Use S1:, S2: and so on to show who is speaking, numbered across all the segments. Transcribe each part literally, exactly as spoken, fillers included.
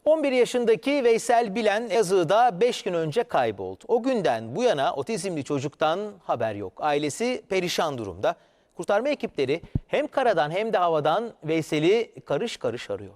S1: on bir yaşındaki Veysel Bilen Elazığ'da beş gün önce kayboldu. O günden bu yana otizmli çocuktan haber yok. Ailesi perişan durumda. Kurtarma ekipleri hem karadan hem de havadan Veysel'i karış karış arıyor.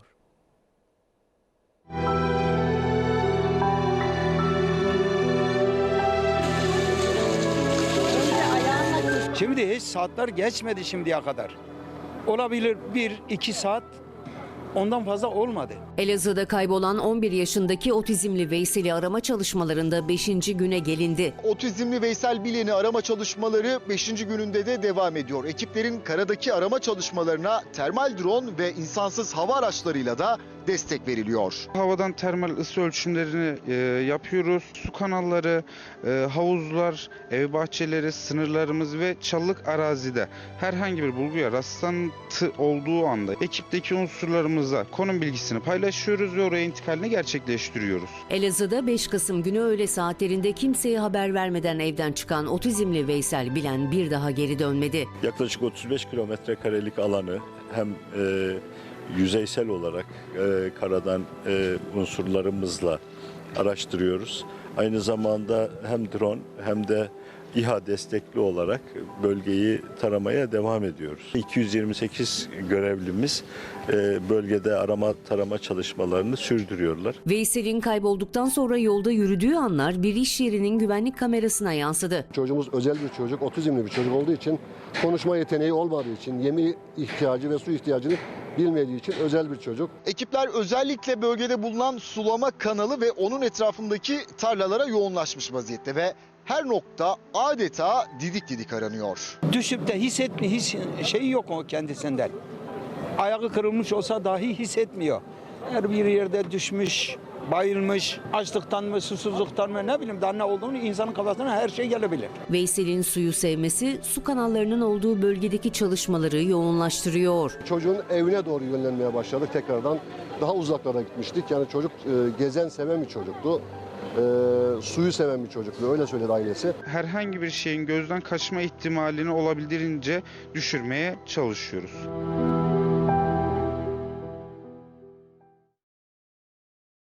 S2: Şimdi hiç saatler geçmedi şimdiye kadar. Olabilir bir iki saat, ondan fazla olmadı.
S3: Elazığ'da kaybolan on bir yaşındaki otizmli Veysel'i arama çalışmalarında beşinci güne gelindi.
S4: Otizmli Veysel Bilen'i arama çalışmaları beşinci gününde de devam ediyor. Ekiplerin karadaki arama çalışmalarına termal drone ve insansız hava araçlarıyla da destek veriliyor.
S5: Havadan termal ısı ölçümlerini e, yapıyoruz. Su kanalları, e, havuzlar, ev bahçeleri, sınırlarımız ve çalılık arazide herhangi bir bulguya rastlantı olduğu anda ekipteki unsurlarımızla konum bilgisini paylaşıyoruz ve oraya intikalini gerçekleştiriyoruz.
S3: Elazığ'da beş Kasım günü öğle saatlerinde kimseye haber vermeden evden çıkan otizmli Veysel Bilen bir daha geri dönmedi.
S6: Yaklaşık otuz beş kilometre karelik alanı hem e, yüzeysel olarak e, karadan e, unsurlarımızla araştırıyoruz. Aynı zamanda hem drone hem de İHA destekli olarak bölgeyi taramaya devam ediyoruz. iki yüz yirmi sekiz görevlimiz e, bölgede arama tarama çalışmalarını sürdürüyorlar.
S3: Veysel'in kaybolduktan sonra yolda yürüdüğü anlar bir iş yerinin güvenlik kamerasına yansıdı.
S7: Çocuğumuz özel bir çocuk, otizmli bir çocuk olduğu için, konuşma yeteneği olmadığı için, yemi ihtiyacı ve su ihtiyacını bilmediği için özel bir çocuk.
S4: Ekipler özellikle bölgede bulunan sulama kanalı ve onun etrafındaki tarlalara yoğunlaşmış vaziyette ve her nokta adeta didik didik aranıyor.
S2: Düşüp de hissetmi, his, şeyi yok o kendisinden. Ayağı kırılmış olsa dahi hissetmiyor. Her bir yerde düşmüş, bayılmış, açlıktan mı, susuzluktan mı, ne bileyim daha ne olduğunu insanın kafasına her şey gelebilir.
S3: Veysel'in suyu sevmesi su kanallarının olduğu bölgedeki çalışmaları yoğunlaştırıyor.
S7: Çocuğun evine doğru yönlenmeye başladık tekrardan. Daha uzaklara gitmiştik. Yani çocuk e, gezen, seven bir çocuktu. E, suyu seven bir çocuktu. Öyle söyledi ailesi.
S5: Herhangi bir şeyin gözden kaçma ihtimalini olabildiğince düşürmeye çalışıyoruz.